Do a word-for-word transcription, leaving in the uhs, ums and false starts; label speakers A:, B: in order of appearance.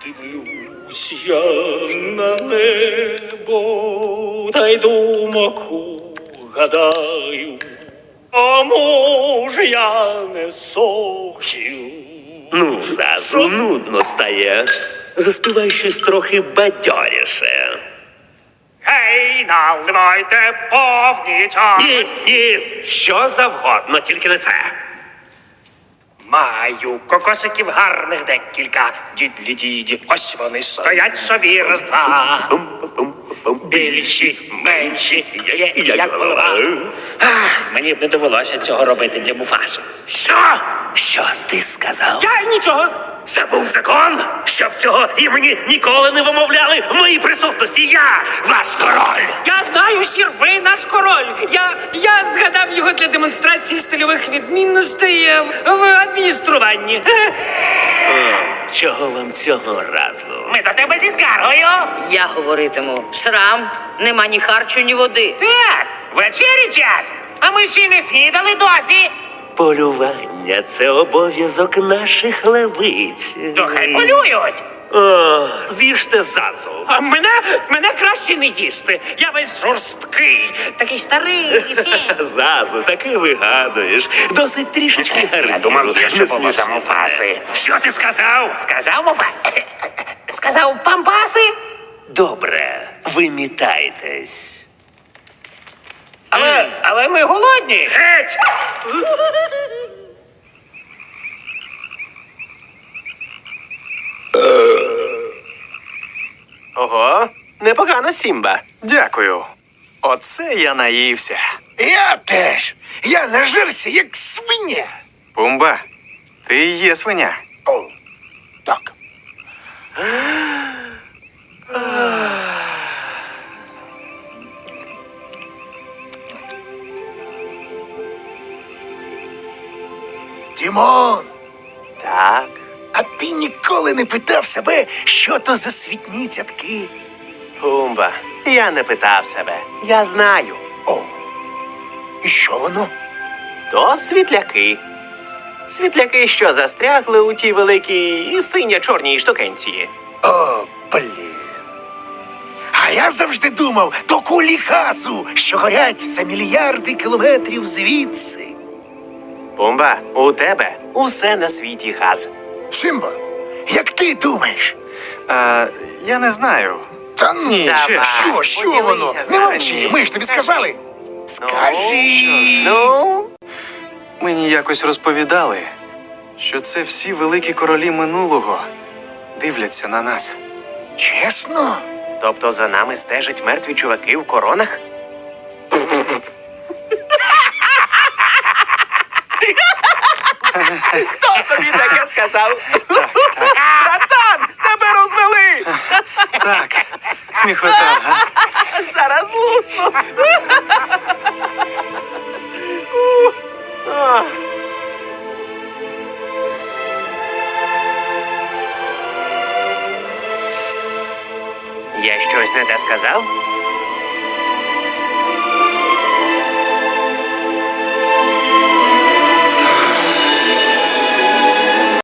A: Дивлюсь я на небо, та й думаку гадаю, а може я не сохів.
B: Ну, Зазу, нудно стає. Заспівай щось трохи бадьоріше.
A: Гей, наливайте повні чани.
B: Ні, ні, що завгодно, тільки не це.
A: Маю кокосиків гарних декілька, дідлі-діді, ось вони стоять собі раз-два. Більші, менші, є і як голова. Ах, мені б не довелося цього робити для Муфаси.
B: Що? Що ти сказав?
A: Я нічого.
B: Забув закон, щоб цього імені ніколи не вимовляли в моїй присутності. Я ваш король.
A: Я знаю, сір, ви наш король. Я, я згадав його для демонстрації стильових відмінностей е, в адмініструванні.
B: Чого вам цього разу?
A: Ми до тебе зі скаргою.
C: Я говоритиму. Шрам, нема ні харчу, ні води.
A: Так, вечері час, а ми ще й не снідали досі.
B: Полювання – це обов'язок наших левиць.
A: То хай полюють.
B: О, з'їжте Зазу.
A: А мене, мене краще не їсти. Я весь жорсткий, такий старий.
B: Зазу, таки вигадуєш. Досить трішечки гарніру.
A: Я думав, є ще
B: Не
A: було за
B: смішно.
A: Муфаси.
B: Що ти сказав?
A: Сказав Муфа? Сказав пампаси?
B: Добре, вимітайтесь.
A: Але, але ми голодні.
B: Геть!
D: Ого, непогано, Сімба. Дякую. Оце я наївся.
E: Я теж. Я нажерся, як свиня.
D: Пумба, ти і є свиня.
E: О, так. Тімон,
D: Так.
E: а ти ніколи не питав себе, що то за світні цятки?
D: Пумба, я не питав себе. Я знаю.
E: О, і що воно?
D: То світляки. Світляки, що застрягли у тій великій синя-чорній штукенції.
E: О, блін. А я завжди думав, то кулі газу, що горять за мільярди кілометрів звідси.
D: Пумба, у тебе усе на світі газ.
E: Симба, як ти думаєш?
D: А, я не знаю.
E: Та ну,
D: Давай,
E: що, що
D: поділися
E: воно?
D: з
E: Не
D: нами.
E: мовчи, ми ж тобі
D: Скажи.
E: сказали. Скажи.
D: Ну, мені якось розповідали, що це всі великі королі минулого дивляться на нас.
E: Чесно?
D: Тобто за нами стежать мертві чуваки в коронах? Хто тобі таке сказав? Так, так. Братан, тебе розвели! Так, сміхота, га? Зараз лусну. Я щось не те сказав?